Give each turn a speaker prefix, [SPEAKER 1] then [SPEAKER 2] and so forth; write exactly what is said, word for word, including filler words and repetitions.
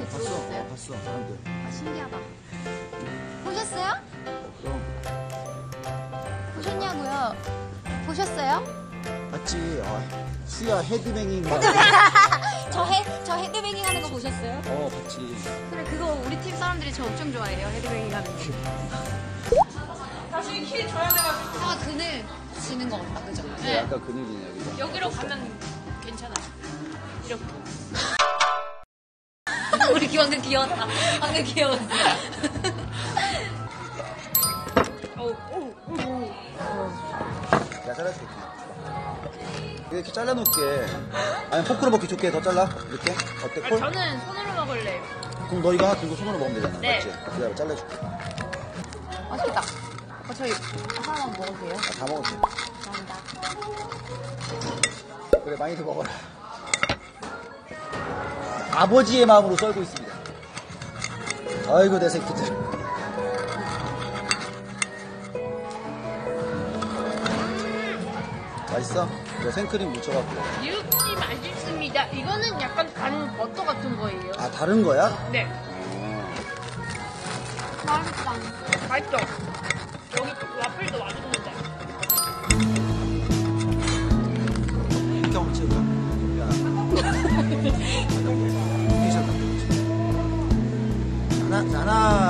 [SPEAKER 1] 봤어.
[SPEAKER 2] 들어오셨어요?
[SPEAKER 1] 어, 봤어. 사람들.
[SPEAKER 2] 아, 신기하다. 보셨어요?
[SPEAKER 1] 어, 그럼.
[SPEAKER 2] 보셨냐고요? 보셨어요?
[SPEAKER 1] 봤지. 어, 수야 헤드뱅잉. 막.
[SPEAKER 2] 저 헤, 저 헤드뱅잉 하는 거 보셨어요?
[SPEAKER 1] 어, 봤지.
[SPEAKER 2] 그래, 그거 우리 팀 사람들이 저 엄청 좋아해요. 헤드뱅잉 하는 거.
[SPEAKER 3] 다시 키 줘야 돼가지고.
[SPEAKER 2] 아, 그늘 지는 것 같다, 그죠?
[SPEAKER 1] 네. 약간 근육이네, 여기가.
[SPEAKER 3] 여기로 가면 괜찮아요. 이렇게.
[SPEAKER 2] 우리 기왕은 귀여웠다. 방금 귀여웠어.
[SPEAKER 3] 오, 오, 오.
[SPEAKER 1] 내가 잘라줄게. 이렇게 잘라놓을게. 아니, 포크로 먹기 좋게 더 잘라? 이렇게? 어때,
[SPEAKER 3] 아,
[SPEAKER 1] 콜?
[SPEAKER 3] 저는 손으로 먹을래요.
[SPEAKER 1] 그럼 너 이거 하나 들고 손으로 먹으면 되잖아.
[SPEAKER 3] 네.
[SPEAKER 1] 맞지? 기다려, 잘라줄게.
[SPEAKER 2] 맛있겠다. 어, 저희 하나만 먹으세요.
[SPEAKER 1] 아, 다 먹었지.
[SPEAKER 2] 감사합니다.
[SPEAKER 1] 그래, 많이들 먹어라. 아버지의 마음으로 썰고 있습니다. 아이고, 내 새끼들. 맛있어? 이거 생크림 묻혀갖고.
[SPEAKER 3] 육지 맛있습니다. 이거는 약간 간 버터 같은 거예요.
[SPEAKER 1] 아, 다른 거야?
[SPEAKER 3] 네.
[SPEAKER 2] 맛있다.
[SPEAKER 3] 맛있죠? 여기 와플도 맛있는데.
[SPEAKER 1] 이렇게 한번 찍어봐. 야. 하나, 하나,